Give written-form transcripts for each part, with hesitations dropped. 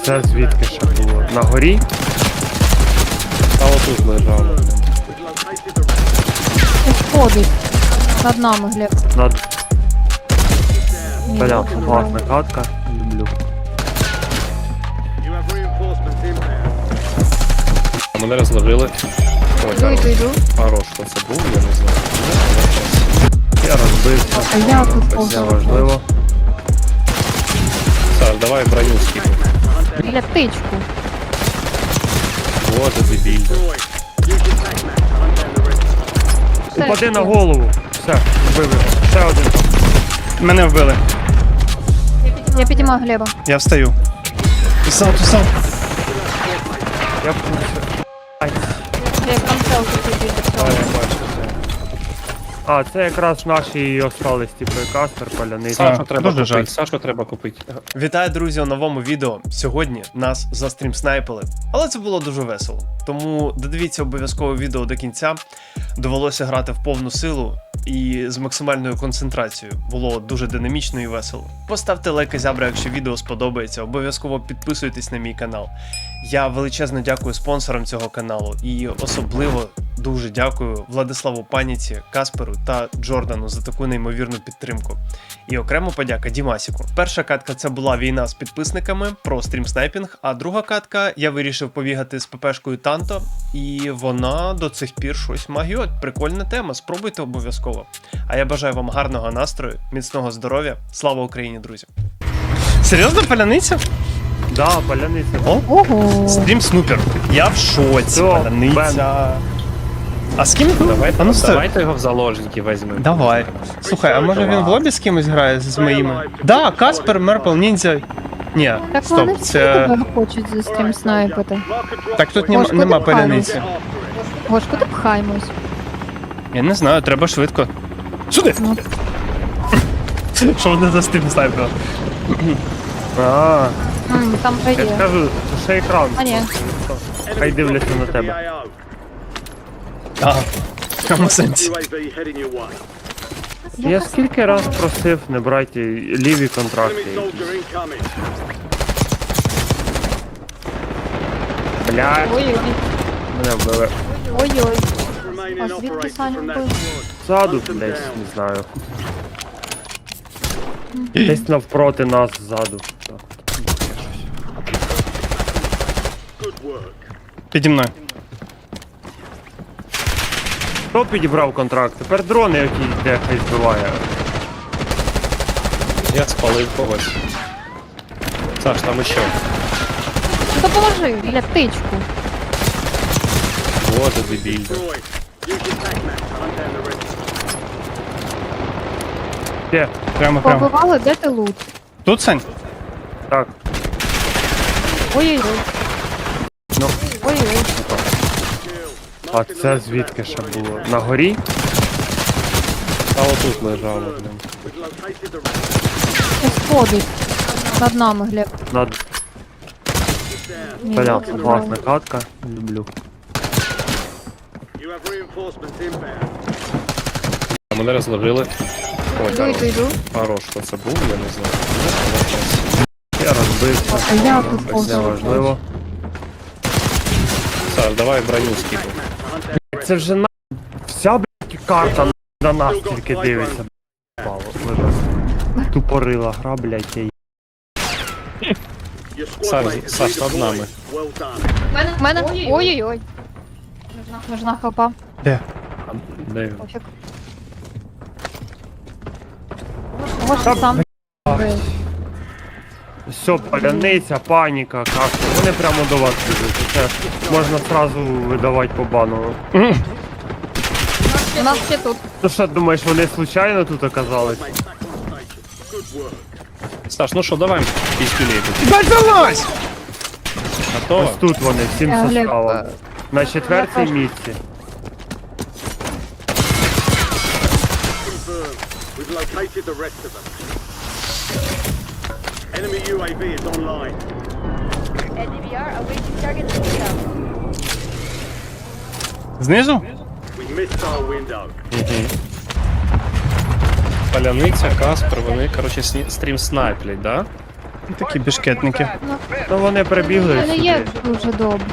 це звідки ще було? На горі? А отут лежало. Ходить. Над нами, Глеб. Над... Ні, Бля, не класна катка. Люблю. Мене розложили. Ой, Йду, йду. хорош, хто це був, я не знаю. Я розбився. А я тут Це повзу. важливо. Саш, давай броню скину. Біля птичку. Боже, дебіль. Упади на голову. Все, вбив його. Ще один. Мене вбили. Я підіймаю Глеба. Я встаю. Тусав. Я в курсі. Ай. Глеб, там селфі тобі. А, я бачу це. А, це якраз наші і остались, типу, Каспер, Паляниця. Сашу треба дуже жаль. купити, Сашу треба купити. Вітаю, друзі, у новому відео. Сьогодні нас застрімснайпили, але це було дуже весело. Тому додивіться обов'язково відео до кінця. Довелося грати в повну силу і з максимальною концентрацією. Було дуже динамічно і весело. Поставте лайк і зябра, якщо відео сподобається. Обов'язково підписуйтесь на мій канал. Я величезно дякую спонсорам цього каналу і особливо дуже дякую Владиславу Паніці, Касперу та Джордану за таку неймовірну підтримку. І окремо подяка Дімасіку. Перша катка це була війна з підписниками про стрімснайпінг, а друга катка я вирішив побігати з ППшкою Танто, і вона до цих пір щось магіот. Прикольна тема, спробуйте обов'язково. А я бажаю вам гарного настрою, міцного здоров'я. Слава Україні, друзі! Серйозно, паляниця? Да, Паляниця. О, Ого. стрім снупер. Я в шоці, Все, паляниця. А з ким? А ну, стой. Давайте його в заложники візьмемо. Давай. Слухай, а може він в лобі з кимось грає з моїми? Да, Каспер, Мерпл, Ніндзя. Ні, Так вони стоп, всі це... тебе хочуть за стрім снайпити. Так тут Гош, нема куди паляниці. Гош, куди пхаємось? Я не знаю, треба швидко. Сюди! Ну. Що вони за стрім снайпер? А, Там я є. ж кажу, це ще екран. А ні. Хай дивляться на тебе. Ага, в якому сенсі? Я скільки раз просив не брати ліві контракти. Блядь, Ой-ой. мене вбили. Ой-ой. А звідки Саню вбив? Ззаду десь, не знаю. Десь навпроти нас ззаду. Піді мною. Хто підібрав контракт? Тепер дрони якісь дехай збиває. Я спалив когось. Саш, там іще. Допоможи, біля птичку. Боже, дебіль. Де? Прямо. Побивали, де ти лут? Тут, Сань? Так. Ой-ой-ой. Ну. Ой-ой. А це звідки ще було? На горі? А отут лежало, блін. Ходить. Над нами, Глеб. Над... Ні, Бля, не класна катка. Люблю. Мене розложили. Ой, Йду, йду, йду. хорош, хто це був, я не знаю. Я розбився. А я тут Це повзу. важливо. Саш, давай броню скину. Це вже на... Вся, блядь, карта на нас тільки дивиться. Пало, тупорила гра, блядь, я Саш, над нами. В мене. Ой-ой-ой. Нужна хапа. Де? Де він? Пофіг. Гош сам. Все, паляниця, паніка, кашка. Вони прямо до вас біжуть. Це можна сразу видавати по бану. У нас ще тут. Ну що, думаєш, вони случайно тут оказались? Саш, ну що, давай піскюлей. Дай залазь! Готово? Ось тут вони, всім Глеб, составом. На четвертій я теж. місці. Enemy UAV is online. NDVR awaiting target intel. Знизу? We missed our window. Паляниця, Каспер, вони, коротше, стрім снайплять, да? Такі бішкетники. Ну вони прибігли Але є сюди. дуже добре.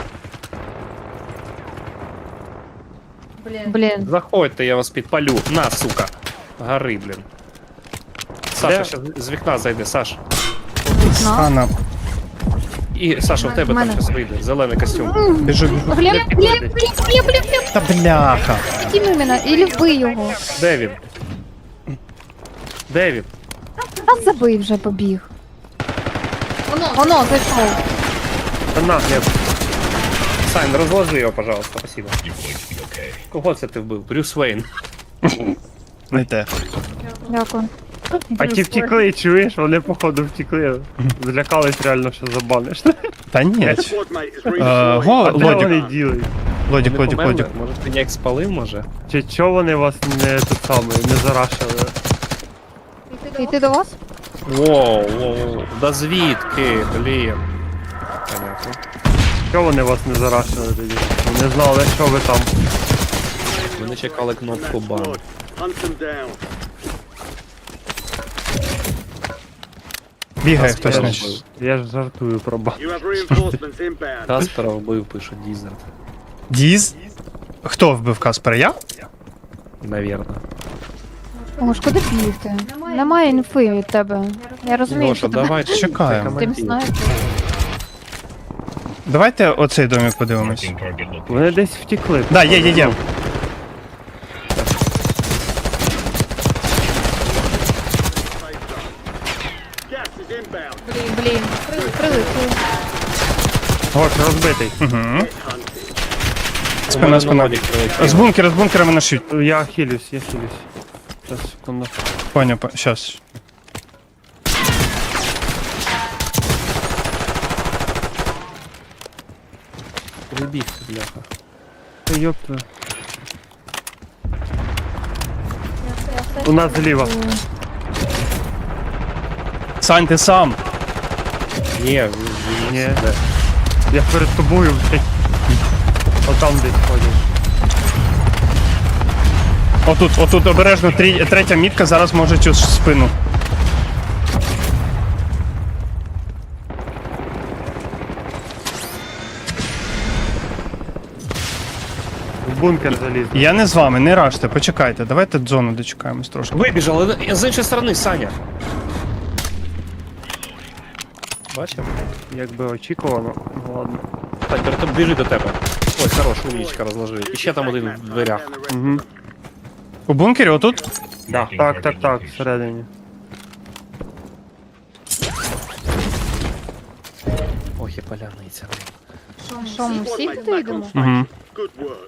Блін. Заходьте, я вас підпалю. На, сука. Гори, блін. Саша, Де? щас з вікна зайде, Саш. Ана. І Саша, в тебе В мене. там щось вийде. Зелений костюм. Біжу, біжу. Глеб, Та бляха. підійми мене, і вбий його. Де він? Де він? А забий вже побіг. Воно, зайшов. Та на, Глеб. Сань, розложи його, пожалуйста, спасибо. Кого це ти вбив? Брюс Вейн. Не те. Дякую. А ті втікли, чуєш? Вони походу втікли. Злякались реально, що забаниш. Та ні. Squad mate is Го, А де вони Лодік. ділять? Лодік, Вони Лодік, померли? Лодік. Може ти ніяк спалив, може? Чи чого вони вас не тут саме, не зарашили? Йти до вас? Воу, воу, да звідки, блін. Понятно. Чого вони вас не зарашили тоді? Не знали, що ви там. Вони чекали кнопку бан. Hunt them down. Бігає Каспера хтось, значить. вбив. Я ж жартую про бан. You have reinforcements inbound. Каспера вбив, пише Дізер. Діз? Хто вбив Каспера? Я? Навірно. О, ж куди бігти? Немає інфи від тебе. Я розумію, Гоша, що ти давай Чекаємо. тим знаєш. Давайте оцей домик подивимось. Вони десь втікли. Да, є. Gas is inbound. Блін, прилетів. Гош, розбитий. Угу. У мене Спина. Нодік прилетів. З бункера мене шють. Я хилюсь. Зараз, секунду. Поняв, щас. Прибігся, бляха. Та йопта. У нас зліва. Сань, ти сам. Ні, Ні. Я перед тобою, блядь. Отам десь ходять. Отут обережно третя мітка зараз може цю спину. В бункер заліз. Я не з вами, не ражте, почекайте. Давайте зону дочекаємось трошки. вибіжали з іншої сторони, Саня. Бачив? Якби очікувано. Ну ладно. Так, Берто, біжи до тебе. Ой, хорош, умнічка розложив. І ще там один в дверях. Угу. У бункері отут? Да. Так, всередині. Ох, і поляниця. Що, ми всі туди йдемо? Угу. Good work.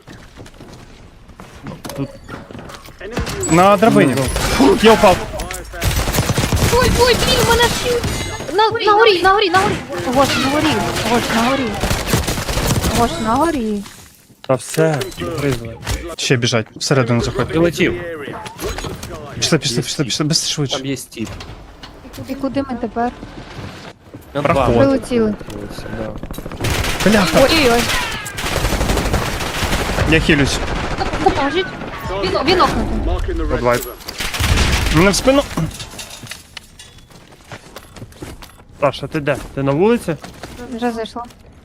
Enemy На драбині. Фу, я впав. Ой, блін, мене шють! На горі! Гош, на горі. Та все, призли. Ще біжать, всередину заходь. Прилетів. area. Пішли, без швидше. Там є стіп. І куди ми тепер? Проход. Прилетіли. Да. Бляха, Ой-ой-ой. я хилюсь. Допоможіть. Він окнутий. Marking the rest Давай. of them. Мене в спину. Саша, ти де? Ти на вулиці? Вже зайшла.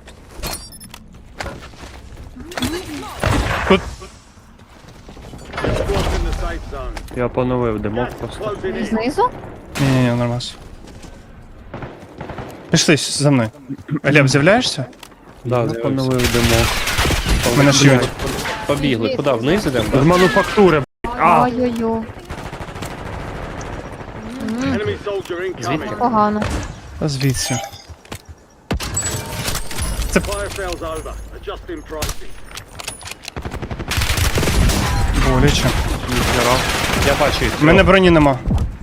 Тут. Squad's in the safe zone. Я поновив димок просто. Closing in. Знизу? Ні, нормально. Пішли за мною. Глеб, з'являєшся? Да, Я поновив димок. Мене шиють. Побігли. Куди? Вниз ідемо? З мануфактури, блядь. А! Ой-ой-ой. Enemy soldier incoming. Погано. Та звідси. Fire sales over. Adjusting pricing. Боляче. Я бачу їх. У мене броні нема.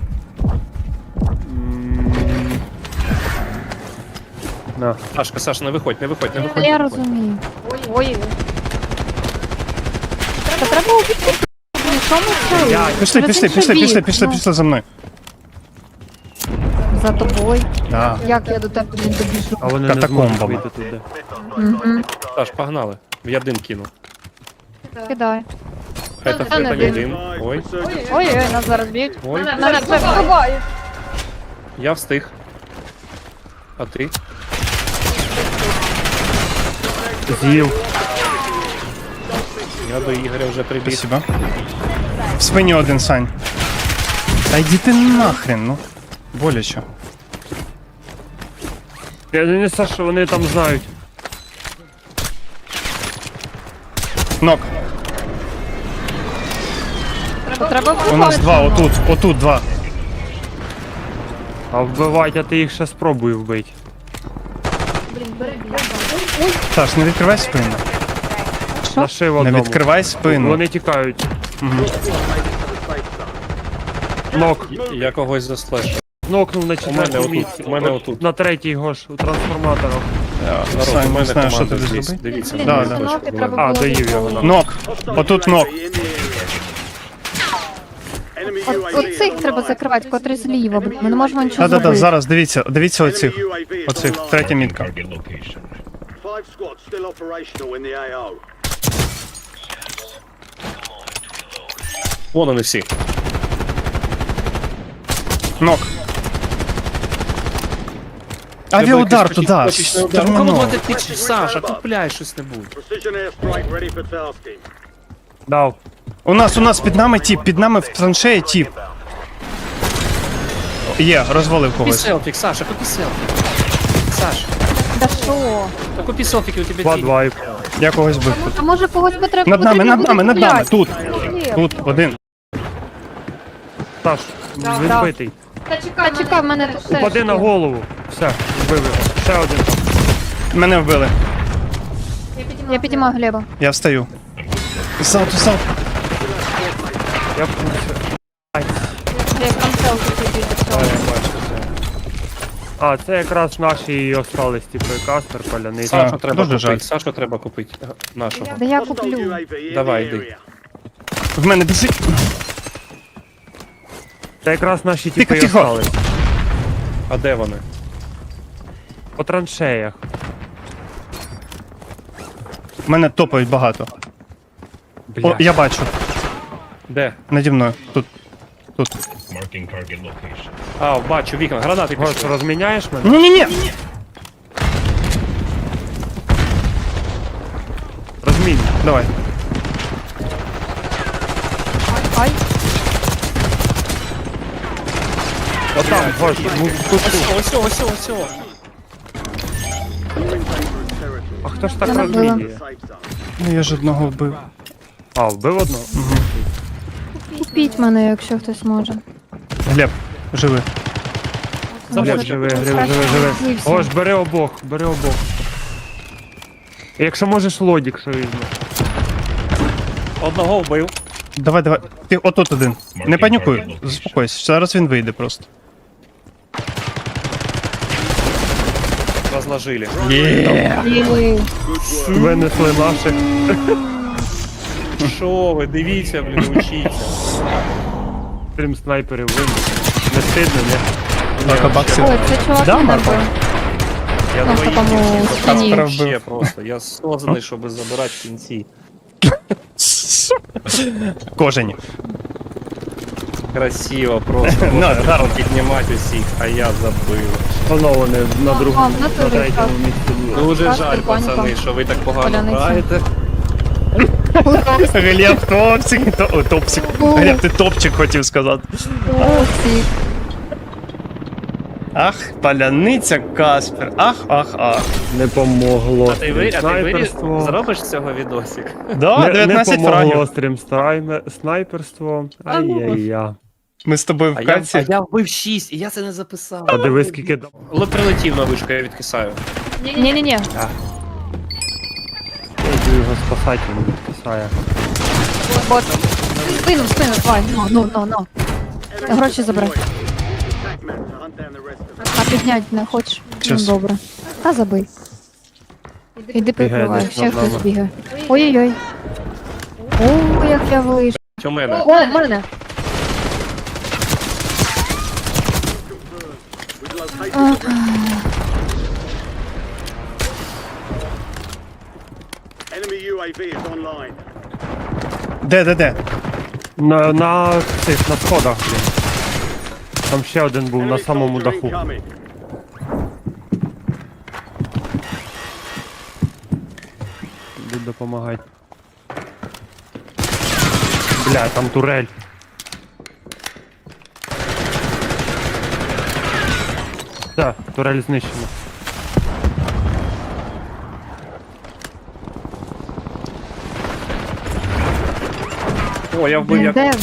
На. Сашка, не виходь. Я розумію. Ой-ой-ой. Та треба убити. Що ми це? Пішли за мною. За тобою. Да. Як я до тебе не добіжу? А вони не Катакомбами. зможуть вийти туди. Угу. Саш, погнали. Я дим кину. Кидай. Это не не дим. дим. Five. Ой, Resurgence. Ой-ой, нас зараз б'ють. ой. Мене це вбивають. Я встиг. А ти? З'їв. Я до Ігоря вже прибіг. Спасибо. В спині один, Сань. Та йди ти нахрен, ну. Боляче. Я не знаю, що вони там знають. Нок. Треба У нас два, отут два. А вбивать, а ти їх ще спробуй вбити. Саш, не відкривай спину. Нашив Не одному. відкривай спину. Вони тікають. Нок. Я когось заслешу. Нокнув на У мене четвертому отут, місці. у мене отут. На третій гош, у трансформаторах. Народ, Сань, у не мене знаю, що команда тобі здесь. зробити. Дивіться. Блін, Да, ну, да. ноги треба А, було доїв його. відкрити. Нок. Отут нок. Оцих треба закривати, котрі зліва. Ми не можемо нічого Да-да-да, зробити. зараз дивіться оцих. Оцих, третя мітка. Five squads still operational in the AO. Вон вони всі. Нок. Авіаудар туди. Ну кому ти тичеш, Саша, купляй щось-небудь. Precision airstrike ready for tasking. Дав. У нас під нами тіп, під нами в траншеї тіп. Є, розвалив Купи когось. селфік, Саша, купи селфік. Саш, Да що? та купи селфіки, у тебе Два дві. двайп. Я когось бив тут. А може когось би треба Над нами, потрібно над нами, буде над нами. купляти? Тут, тут, один. Саш, він битий. Та чекай, в мене тут теж Упади на є. голову. Все, вбив його. Ще один там. Мене вбили. Я підіймаю Глеба. Я встаю. Ззаду. Я в курсі. Глеб, там селфі тобі. А, я бачу це. А, це якраз наші і остались, типу, і Каспер, Паляниця. Сашу Так, треба дуже жаль. купити, Сашу треба купити. Нашого. Да я Hostile куплю. UAV in Давай, the йди. area. В мене біжить. Це якраз наші типи і Тихо. остались. А де вони? По траншеях. В мене топають багато. О, Бля. я бачу. Де? Наді мною. Тут. А, бачу, вікна, гранати Гош, пішли. розміняєш мене? Ні-ні-ні. Розмінь. Давай. Ай, Отам, Гош, ну, тут. Ось. А хто ж так Я набила. розмінює? Safe zone. Ну я ж одного вбив. А, вбив одного? купіть мене, якщо хтось може. Глеб, живи. Глеб, живи. Злився. Гош, бери обох. Якщо можеш лодік, що візьме. Одного вбив. Давай. Ти отут один. Не панікуй, заспокойся. Зараз він вийде просто. Розложили. Їли. Винесли наших. Що ви, дивіться, блін, учіться. Стрім снайперів винесли. Не стидно, не? Так, баксів. Ой, це чувак Да, мене Марко? вбив. Я Ну, в двоїх такому дівчат стані. Каспера ще вбив. просто. Я созданий, щоб забирати в кінці. Кожені. Красиво просто. Ну, Можна гарно. піднімати усіх, а я забив. Воно вони на А, другому, в на натурі третьому так. місці були. Дуже Каспер, жаль, паніка. пацани, що ви так погано Поляниця. граєте. Глеб, топсик. Глеб, ти топчик хотів сказати. Усі. Ах, паляниця Каспер. Ах. Не помогло. А ти виріс, Снайперство. зробиш з цього відосик? Да, Не 19 помогло фрагів. стрім снайперство. Ай-яй-я. Ми з тобою в каці. я вбив 6, і я це не записав. А диви скільки дав. Але прилетів на вишку, я відкисаю. Ні-ні-ні. Я йду його спасати, він відписає. Бот. Спину, давай. Ну. Гроші забирай. Attack map to hunt down the rest of them. А піднять не хочеш? Ну, Щас. добре. Та забий. Іди прикривай, десь ще над хтось нами. бігає. Ой-ой-ой. О, як я вийшов. У мене. О, в мене. We've located the enemy UAV is online. Де? На цих, на сходах, блін. Там ще один був на Enemy самому soldier даху. incoming. тут допомагати. Бля, там турель. Так, турель знищена. О, я вбив Блін, як де? народа.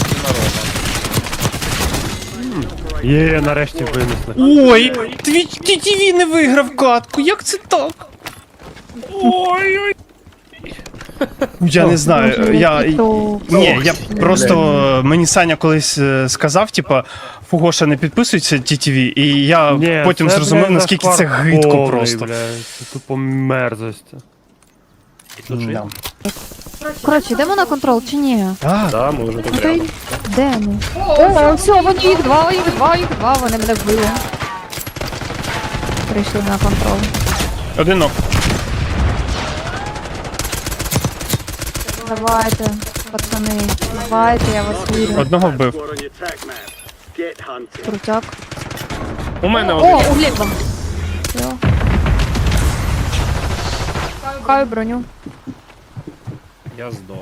Є, нарешті винесли. Ой, твій TTV не виграв катку, як це так? Ой-ой. Я не знаю, Ні, я просто мені Саня колись сказав, типа, Фугоша не підписується TTV, і я Ні, потім це, зрозумів, блядь, наскільки це зашквар гидко повний, просто. Бля, це тупо мерзость. Да. Коротше, йдемо на контрол чи ні? Так, Да, ми вже тут Ну, то й- рядом. Де ми? О, все, вони їх два, вони мене вбили. Прийшли на контрол. один ног. Давайте, пацани, давайте, я вас вірю. Одного вбив. Squad on your attack map. Get hunting. Крутяк. У мене О, один. у Глеба. Все. Каю броню. Я здох.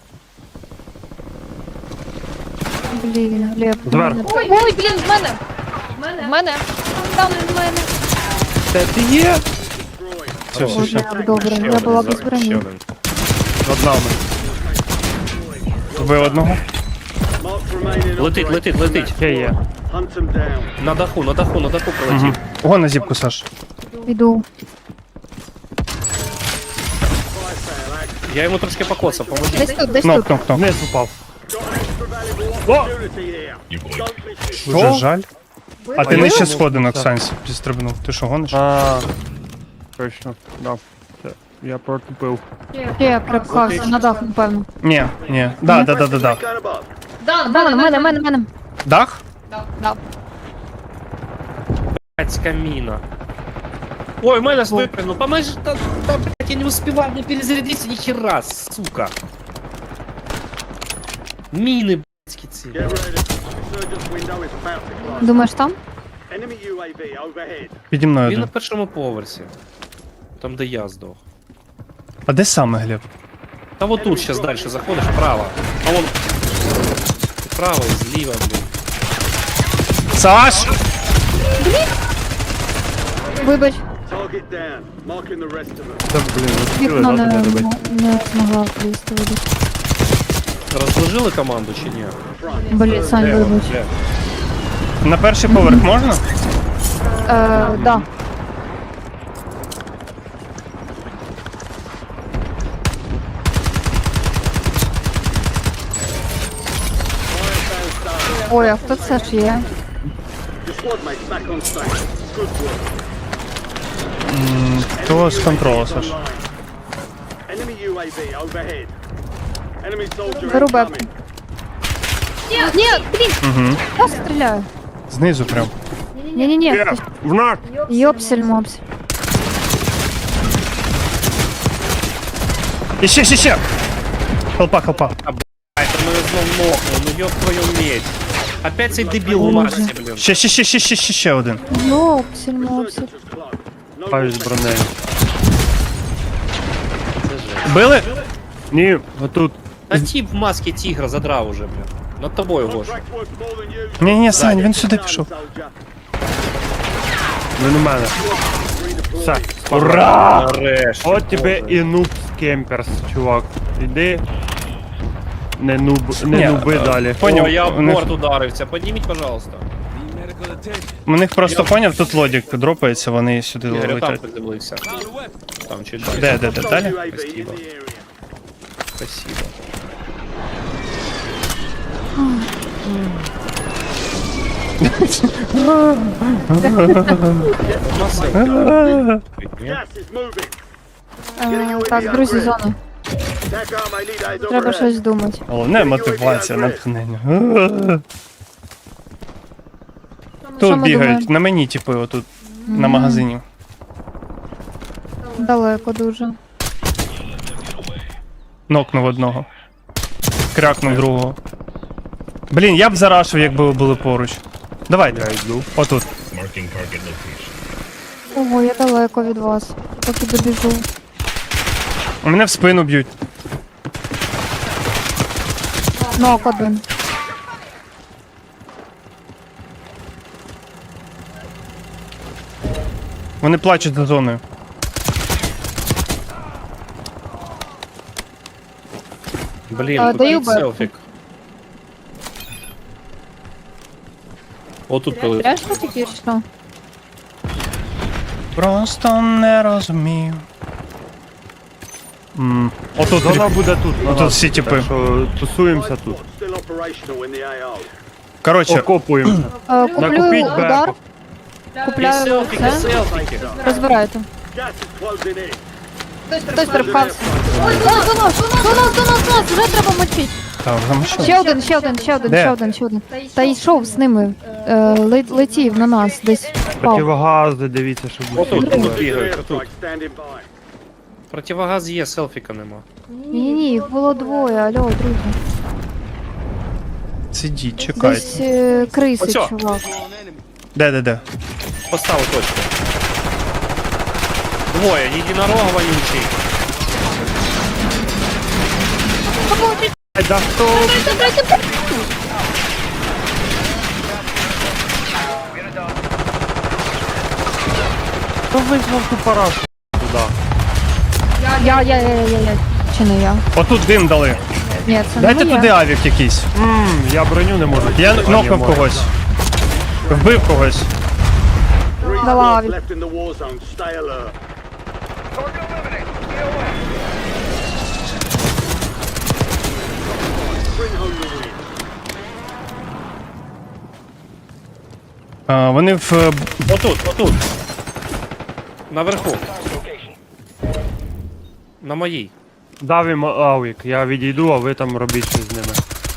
Блін, Глеб. Зверху. Ой, блін, в мене. В мене. Там в мене. Це ти є? Все, все, Ой, все. як добре, я була без броні. Ще один. Над нами. Вбив одного. Mark remaining Летить, operators летить, from летить. that Ще є. squad. Hunt them down. На даху прилетів. Ого на зіпку, Саш. Іду. Я йому трошки покоцав, поможіть. Десь тут, десь Нок, тут. нок, нок. Вниз упав. Got an extra valuable opportunity here. Don't miss it. Дуже жаль. А ти А нижче я? сходинок, Сансь, зістрибнув. Ти що, гониш? А, точно, да. Все, я протупив. Я припхався на дах, напевно. Ні, ні. Да. Gun above. В мене. Дах? Да. Блядь, камина. Ой, Мэнос выпрыгнул. Поможи, да, блядь, я не успеваю, не перезарядиться ни хера, сука. Мины, блядь, цель. Get ready. Resurgence window is about to close. Думаєш там? Enemy UAV overhead. Піді мною Він на один. першому поверсі. Там, де я здох. А де саме, Глеб? Та вот тут сейчас дальше заходишь, вправо. А вон... Вправо и зліва, блин. Саш! Вибач, Target down. Marking the rest of them. Це, блін, успіли, вікно да, не, туди добити? не змогла влізти. Вибач. Розложили команду чи ні? Блін, Сань, Де вона? вибач. Де? На перший поверх можна? Да. Ой, а хто це ж є? Your squad mates back on station. Good work. То з контролу, Саш. Online. Enemy UAV overhead. Enemy soldier Беру бебку. incoming. Ні, блін, Угу. я стріляю. Знизу прям. Ні-ні-ні, Є, в нас! йопсель-мопсель. І ще! Хелпа. Ай, там мене знов нокнув, ну ёб твою медь. Опять цей дебіл у масці, блін. Ще один. Йопсель-мопсель. Just close. No Паю з бронею. Били? Ні, отут. Та тип в масці тігра задрав уже, блін. Над тобою, Гош. contract worth more than you. Ні, Сань, він сюди пішов. Soldier. Він у мене. Все. Ура! Нарешті. От тебе Боже. і нуб кемперс, чувак. Іди. Не Ні, нуби далі. Поняв, О, я у в них- борт ударився. Підніміть, пожалуйста. У них просто поняв, тут лодік дропається, вони сюди Ігор, там летять. приземлився. Там чуть далі. Де, далі? UAV in Спасибо. the area. Спасибо. Gas is moving. Так, друзі, зону. Attack arm, I need eyes Треба overhead. щось думати. Головне мотивація, натхнення. Що Тут ми бігають, думаємо? на мені, типу, отут, на магазині. Далеко дуже. Нокнув одного. Крякнув другого. Блін, я б зарашив, якби ви були поруч. Давайте. Я йду. Отут. Ого, я далеко від вас. Поки добіжу. Мене в спину б'ють. Нок один. Вони плачуть за зоною. Блін, даю купіть бепку. селфік. Отут прилетів. Пляшка тільки що? Просто не розумію. Отут, Зона буде тут. на Отут нас. всі типи. Так що тусуємося тут. Still operational in the AO. коротше, Окопуємося. Куплю Накупіть удар, бепок. І купляю селфіки, це, селфіки. розбирайте. Gas is closing in. Хтось перепхався. Ой, до нас, вже треба мочити. так, замовчав. Ще один, ще один, ще один, Де? ще один, ще один. Та йшов з ними, летів на нас, десь впав. Противогази, дивіться, щоб Отут, усі були. тут бігають, отут. Strike standing by. Противогаз є, селфіка нема. Ні, їх було двоє, алло, друзі. Сидіть, чекайте. Десь криси, Оцьо. чувак. Де? Поставив точку. Двоє, єдинорог вонючий. Ай, да хто? Хто визвав ту парашу туди? Я. Чи не я? Отут дим дали. Ні, це Дайте не я. туди авік якийсь. Я броню не можу. Я Пані нокнув моя. когось. Вбив когось. 3 Дала squads авік. left in the war zone. Stay alert. Bring home the win. Вони в Отут. Наверху. На моїй. Дав їм авік, я відійду, а ви там робіть щось з ними.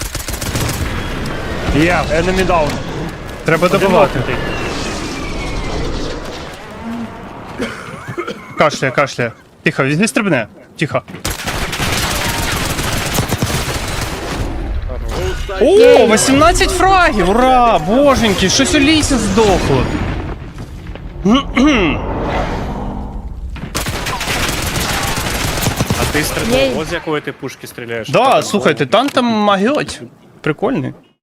Є, enemy down. треба добивати. Одинокий. Кашляє. Тихо, візьми стрибне. Тихо. О, 18 фрагів! Ура! Боженьки, щось у лісі здохло. А ти Єй. стріляв, ось з якої ти пушки стріляєш. Да, слухайте, танк там магіоть. Прикольний.